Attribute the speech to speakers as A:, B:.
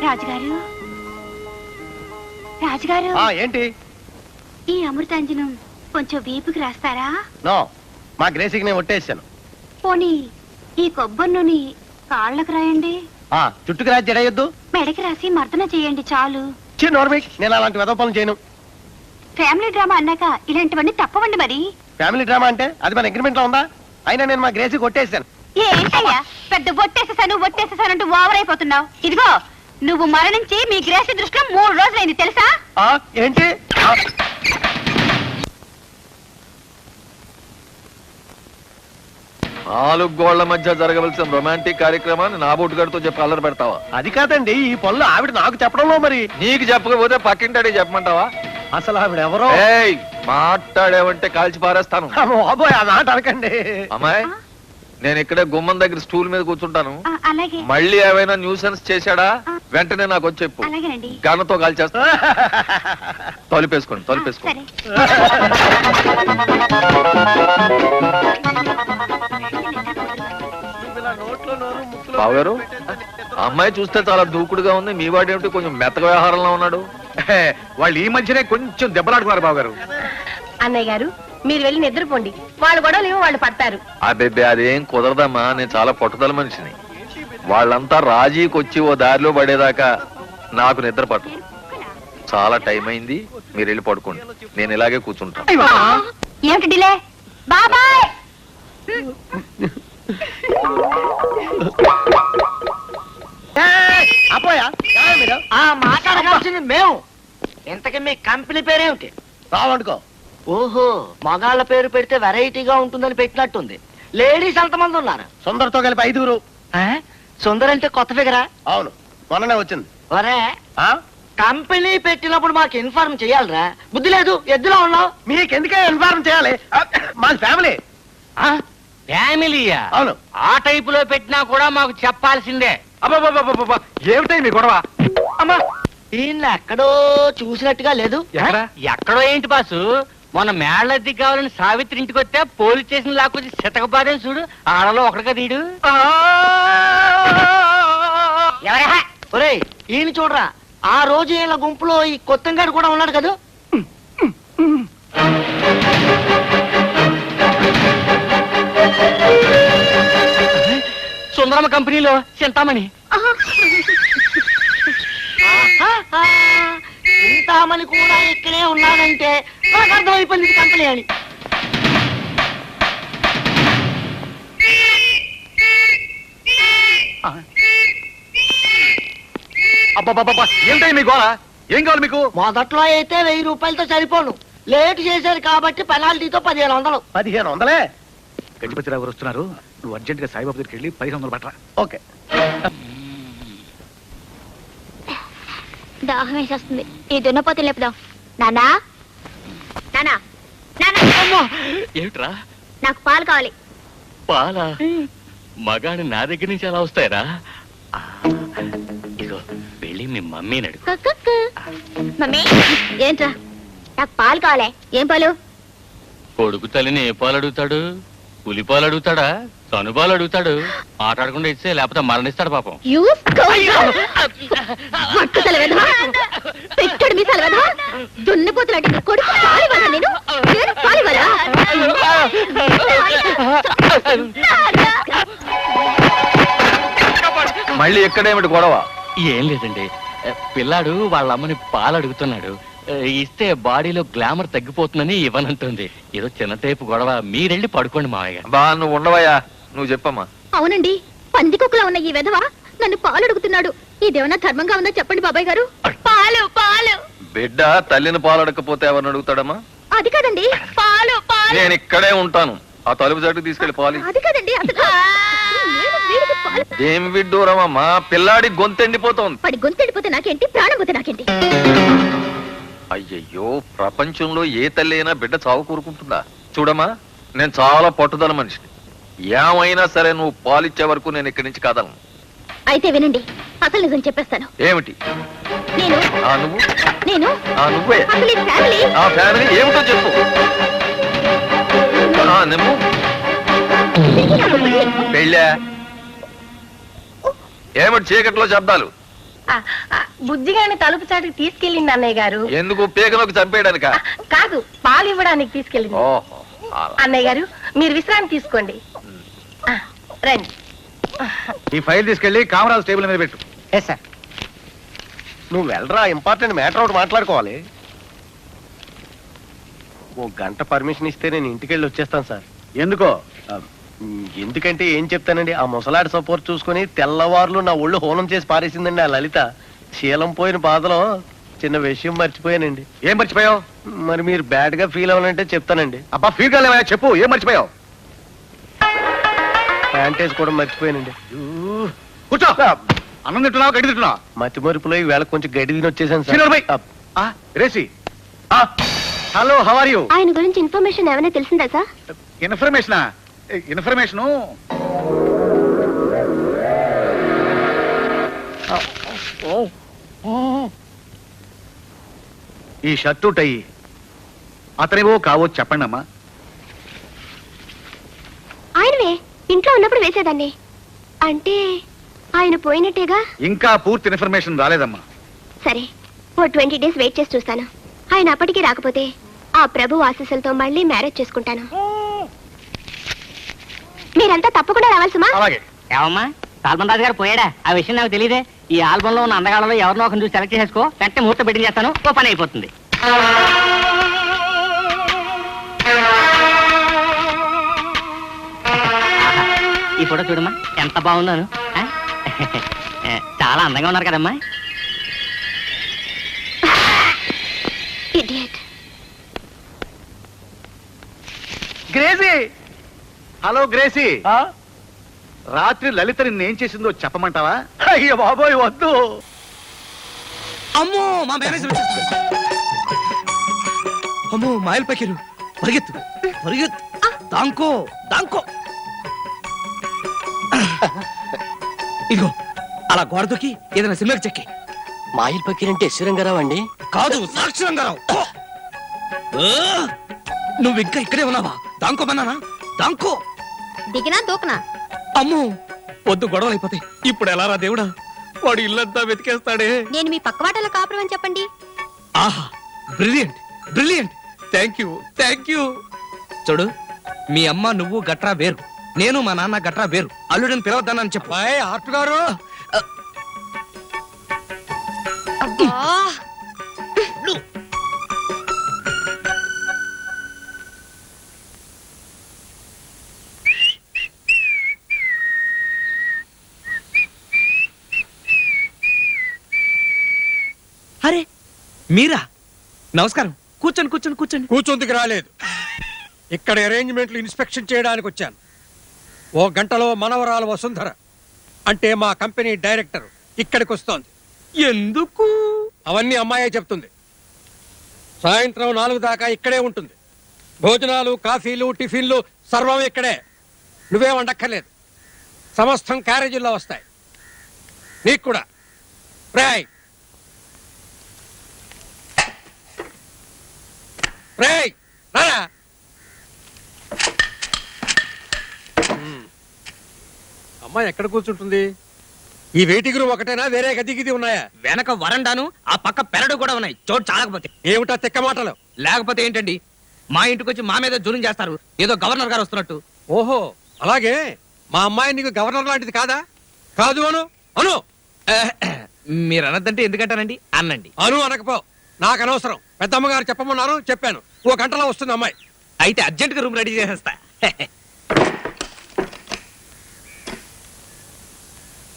A: రాజుగారు రాజుగారు
B: ఏంటి
A: ఈ అమృతాంజనం కొంచెం వీపుకి రాస్తారా?
B: నో, మా గ్రేసికి నేను ఒట్టేసాను.
A: పోనీ ఈ కొబ్బరి నూనె కాళ్ళకు రాయండి.
B: చుట్టుకు రాసి జడయొద్దు,
A: మెడకి రాసి మర్దన చేయండి చాలు.
B: నేను అలాంటి వెధవ పనులు చేయను.
A: ఫ్యామిలీ డ్రామా అన్నాక ఇలాంటివన్నీ తప్పవండి. మరి
B: ఫ్యామిలీ డ్రామా అంటే అది మన అగ్రిమెంట్ లో ఉందా? అయినా నేను మా గ్రేసికి కొట్టేసాను.
A: ఏంటయ్యా పెద్ద ఒట్టేసేసానంటూ ఓవర్ అయిపోతున్నావు. ఇదిగో నువ్వు మరణించి మీ గ్రేసి దృష్టిలో 3 రోజులైంది తెలుసా?
B: ఏంటి?
C: 4 గోళ్ల మధ్య జరగవలసిన రొమాంటిక్ కార్యక్రమాన్ని నా బొట్టుగాడితో చెప్పి అల్లరి పెడతావా?
B: అది కాదండి, ఈ పనులు ఆవిడ నాకు చెప్పడంలో. మరి
C: నీకు చెప్పకపోతే పక్కింటాడే చెప్పమంటావా?
B: అసలు ఆవిడ ఎవరో?
C: మాట్లాడేవంటే కాల్చి పారేస్తాను.
B: బాబోయ్, ఆ మాట అనకండి.
C: అమ్మాయి, నేను ఇక్కడే గుమ్మం దగ్గర స్టూల్ మీద కూర్చుంటాను.
A: అలాగే.
C: మళ్ళీ ఏమైనా న్యూసెన్స్ చేశాడా వెంటనే నాకు వచ్చి చెప్పు. గన్నతో కాల్చేస్తా. తలుపేసుకోండి. బావు గారు, అమ్మాయి చూస్తే చాలా దూకుడుగా ఉంది. మీ వాడేమిటి కొంచెం మెత్తక వ్యవహారంలో ఉన్నాడు?
B: వాళ్ళు ఈ మధ్యనే కొంచెం దెబ్బలాడుకున్నారు బావు గారు.
A: అన్నయ్య గారు, మీరు వెళ్ళి నిద్రపోండి. వాళ్ళు గొడవలేమో వాళ్ళు పడతారు.
C: అబ్బే, అదేం కుదరదమ్మా. నేను చాలా పట్టుదల మనిషిని. వాళ్ళంతా రాజీకి వచ్చి ఓ దారిలో పడేదాకా నాకు నిద్ర పట్టు. చాలా టైం అయింది, మీరు వెళ్ళి పడుకోండి. నేను ఇలాగే కూర్చుంటాను.
A: ఏమిటి డిలే? బాబాయ్,
D: మాట్లాడాల్సింది మేము. ఇంతకీ మీ కంపెనీ పేరేమిటి?
B: రావనుకో.
D: ఓహో, మగాళ్ళ పేరు పెడితే వెరైటీగా ఉంటుందని పెట్టినట్టుంది. లేడీస్ ఎంతమంది ఉన్నారు?
B: సుందర్తో కలిపి 5.
D: సుందర్ అంటే కొత్త ఫిగరా?
B: అవును, మొన్ననే వచ్చింది.
D: ఒరే, కంపెనీ పెట్టినప్పుడు మాకు ఇన్ఫార్మ్ చేయాలరా? బుద్ధి లేదు, ఎద్దులో ఉన్నావు.
B: మీకెందుకే ఇన్ఫార్మ్ చేయాలి? మాది ఫ్యామిలీ.
D: ఫ్యామిలీయా?
B: అవును.
D: ఆ టైప్ లో పెట్టినా కూడా మాకు చెప్పాల్సిందే.
B: ఏమిటై మీ గొడవ?
D: అమ్మా, దీన్ని ఎక్కడో చూసినట్టుగా లేదు. ఎక్కడో ఏంటి బాసు? మొన్న మేళ్ళద్ది కావాలని సావిత్రి ఇంటికి వస్తే పోలీస్ స్టేషన్ లాక్కొచ్చి శతకపాదని చూడు. ఆడలో ఒకటిగా తీడు. ఒరేయ్, ఈయన చూడరా, ఆ రోజు ఈయన గుంపులో ఈ కొత్తంగాడు కూడా ఉన్నాడు కదా. సుందరమ్మ కంపెనీలో చింతామణి. చింతామణి కూడా ఇక్కడే ఉన్నాడంటే నాకు అర్థమైపోయింది కంపెనీ అని.
B: ఏమిటై మీ గోళ? ఏం కావాలి మీకు?
D: మొదట్లో అయితే 1000 రూపాయలతో సరిపోను. లేట్ చేశారు కాబట్టి పెనాల్టీతో 1500.
B: 1500?
E: గజపతిరావు గారు వస్తున్నారు. నువ్వు అర్జెంట్ గా సాయిబాబు దగ్గరికి వెళ్ళి 1500 పట్టరా.
B: ఓకే.
A: దాహం వేసేస్తుంది. ఈ దున్నపోతే లేపుదాం. నానా,
E: ఏమిట్రా?
A: నాకు పాలు కావాలి.
E: పాలా? మగాడు నా దగ్గర నుంచి అలా వస్తాయరా? ఇదిగో వెళ్ళి మీ మమ్మీని అడుగు.
A: మమ్మీ, ఏంట్రా? నాకు పాలు కావాలి. ఏం పాలు?
E: కొడుకు తల్లిని ఏ పాలు అడుగుతాడు? పులి పాలు అడుగుతాడా? తనుపాలు అడుగుతాడు. ఆటాడకుండా ఇస్తే లేకపోతే మరణిస్తాడు పాపం.
A: పెట్టాడు మీ సెలవు దున్నపోతులాంటి కొడుకు పాలివ్వాలా? నేను పాలివ్వాలా?
C: మళ్ళీ ఎక్కడేమిటి గొడవ?
E: ఏం లేదండి, పిల్లాడు వాళ్ళ అమ్మని పాలు అడుగుతున్నాడు. ఇస్తే బాడీలో గ్లామర్ తగ్గిపోతుందని ఇవ్వనంటుంది. ఏదో చిన్న టైపు గొడవ. మీరెళ్ళి పడుకోండి మావయ్య.
C: బా, నువ్వు ఉండవయ్యా, నువ్వు చెప్పమ్మా.
A: అవునండి, పందికొక్కలా ఉన్న ఈ వెధవ నన్ను పాలు అడుగుతున్నాడు. ఇదేమన్నా ధర్మంగా ఉందా చెప్పండి బాబాయ్ గారు? పాలు పాలు.
C: బిడ్డ తల్లిని పాలు అడగకపోతే ఎవరిని అడుగుతాడమ్మా?
A: అది కాదండి, పాలు పాలు.
C: నేను ఇక్కడే ఉంటాను. ఆ తలుపు చాటుకు తీసుకెళ్లి పాలు.
A: అది కాదండి,
C: ఏం విడ్డూరమమ్మా, పిల్లాడి గొంతెండిపోతోంది.
A: పడి గొంతెండిపోతే నాకేంటి, ప్రాణం పోతే నాకేంటి?
C: అయ్యయ్యో, ప్రపంచంలో ఏ తల్లి అయినా బిడ్డ చావు కోరుకుంటుందా? చూడమ్మా, నేను చాలా పట్టుదల మనిషిని. ఏమైనా సరే నువ్వు పాలిచ్చే వరకు నేను ఇక్కడి నుంచి కాదలను.
A: అయితే వినండి, అసలు నిజం చెప్పేస్తాను.
C: ఏమిటి?
A: నేను
C: నువ్వే ఆ ఫ్యామిలీ ఏమిటో చెప్పు. నువ్వు పెళ్ళా? ఏమిటి చీకట్లో శబ్దాలు?
F: బుజ్జిగాని తలుపు చాటుకు తీసుకెళ్ళింది అన్నయ్య గారు.
C: ఎందుకు పేకలోకి చంపేయడానిక?
F: కాదు, పాలు ఇవ్వడానికి తీసుకెళ్ళింది.
C: ఓహో అలా.
F: అన్నయ్య గారు మీరు విశ్రాంతి తీసుకోండి. రండి.
B: ఈ ఫైల్ తీసుకెళ్లి కామరాజ్ టేబుల్ మీద పెట్టు.
D: సార్.
B: నువ్వు వెళ్ళరా, ఇంపార్టెంట్ మ్యాటర్ ఒకటి మాట్లాడుకోవాలి. ఓ గంట పర్మిషన్ ఇస్తే నేను ఇంటికి వెళ్ళి వచ్చేస్తాను సార్. ఎందుకో? ఎందుకంటే ఏం చెప్తానండి, ఆ ముసలాడి సపోర్ట్ చూసుకుని తెల్లవారులు నా ఒళ్ళు హోనం చేసి పారేసిందండి ఆ లలిత. శీలం పోయిన బాధలో చిన్న విషయం మర్చిపోయానండి.
G: ఏం మర్చిపోయావు?
B: మరి మీరు బ్యాడ్ గా ఫీల్ అవ్వాలంటే చెప్తానండి.
G: అబ్బా ఫీల్ కాలేవా? చెప్పు, ఏం మర్చిపోయావు?
B: ప్యాంటేజ్ కూడా మర్చిపోయానండి.
G: కూర్చో. అన్నం తింటున్నావు, గడ్డి తింటున్నావు?
B: మతి మరుపులో ఈ వేళ కొంచెం గడి తిని వచ్చేసాను
G: సీనియర్ బై.
B: సార్.
G: రేసి, హలో, హౌ ఆర్ యూ?
A: ఆయన గురించి ఇన్ఫర్మేషన్ ఏమైనా తెలిసిందా సార్?
G: ఇన్ఫర్మేషనా? ఇన్ఫర్మేషను ఈ షర్టు టై అతనేవో కావో చెప్పండి అమ్మా.
A: ఆయనవే, ఇంట్లో ఉన్నప్పుడు వేసేదాన్ని. అంటే ఆయన పోయినట్టేగా?
G: ఇంకా పూర్తి ఇన్ఫర్మేషన్ రాలేదమ్మా.
A: సరే, ఓ 20 days వెయిట్ చేసి చూస్తాను. ఆయన అప్పటికి రాకపోతే ఆ ప్రభు ఆశీస్సులతో మళ్ళీ మ్యారేజ్ చేసుకుంటాను. మీరంతా తప్పకుండా రావాల్సిమా?
G: అలాగే.
D: ఏమమ్మా, సాల్మన్ రాజు గారు పోయాడా? ఆ విషయం నాకు తెలియదే. ఈ ఆల్బమ్ లో ఉన్న అందగాళ్ళలో ఎవరినో ఒకరిని చూసి సెలెక్ట్ చేసుకో, వెంటనే ముహూర్తం పెట్టి చేస్తాను, ఓ పని అయిపోతుంది. ఈ ఫోటో చూడమ్మా, ఎంత బాగుందోను. చాలా అందంగా ఉన్నారు కదమ్మా.
A: ఇడియట్.
G: Gracie, hello Gracie. రాత్రి లలిత నిన్నేం చేసిందో చెప్పమంటావా?
B: అయ్యో బాబోయ్ వద్దు.
H: అమ్మో మా మేనేజర్ వచ్చేస్తుంది. అమ్మో మాయల్ పకిరు, పరిగెత్తు పరిగెత్తు, దాంకో దాంకో. ఇదిగో అలా గోడ దూకి ఏదైనా సినిమాకి చెక్కి.
D: మాయిల్ పకీర్ అంటే రంగారావు అండి?
H: కాదు, సాక్షి రంగారావు. నువ్వు ఇంకా ఇక్కడే ఉన్నావా? దాంకోమన్నానా? దాంకో.
A: దిగినా దూకనా?
H: అమ్మో వద్దు, గొడవలు అయిపోతాయి. ఇప్పుడు ఎలా రా దేవుడా, వాడు ఇల్లంతా వెతికేస్తాడే.
A: నేను మీ పక్కవాటలో కాపురం అని చెప్పండి.
H: ఆహా, brilliant brilliant, thank you thank you. చూడు, మీ అమ్మ నువ్వు గట్రా వేరు, నేను మా నాన్న గట్రా వేరు. అల్లుడిని పిలవద్దానని చెప్పు. ఆర్ట్ గారు, అరే మీరా? నమస్కారం. కూర్చోండి కూర్చోండి కూర్చోండి.
I: కూర్చొందుకు రాలేదు, ఇక్కడ అరేంజ్మెంట్లు ఇన్స్పెక్షన్ చేయడానికి వచ్చాను. ఓ గంటలో మనవరాలు వసుంధర అంటే మా కంపెనీ డైరెక్టర్ ఇక్కడికి వస్తోంది.
H: ఎందుకు?
I: అవన్నీ అమ్మాయే చెప్తుంది. సాయంత్రం 4 దాకా ఇక్కడే ఉంటుంది. భోజనాలు, కాఫీలు, టిఫిన్లు సర్వం ఇక్కడే. నువ్వేం వండక్కర్లేదు, సమస్తం క్యారేజీల్లో వస్తాయి. నీకు కూడా. రాయ్ రాయ్ రారా. అమ్మాయి ఎక్కడ కూర్చుంటుంది? ఈ వెయిటింగ్ రూమ్ ఒకటేనా, వేరే గది గిది ఉన్నాయా?
H: వెనక వరండాను, ఆ పక్క పెరడు కూడా ఉన్నాయి. చోటు చాలకపోతే.
I: ఏమిటా తిక్క మాటలు?
H: లేకపోతే ఏంటండి, మా ఇంటికి వచ్చి మా మీద జూలం చేస్తారు, ఏదో గవర్నర్ గారు వస్తున్నట్టు.
I: ఓహో అలాగే. మా అమ్మాయి నీకు గవర్నర్ లాంటిది కాదా? కాదు అను అను.
H: మీరు అనద్దంటే ఎందుకంటానండి, అన్నండి.
I: అను అనకపో, నాకు అనవసరం. పెద్దమ్మగారు చెప్పమన్నారు, చెప్పాను. ఓ గంటలో వస్తుంది అమ్మాయి.
H: అయితే అర్జెంట్ గా రూమ్ రెడీ చేసేస్తా.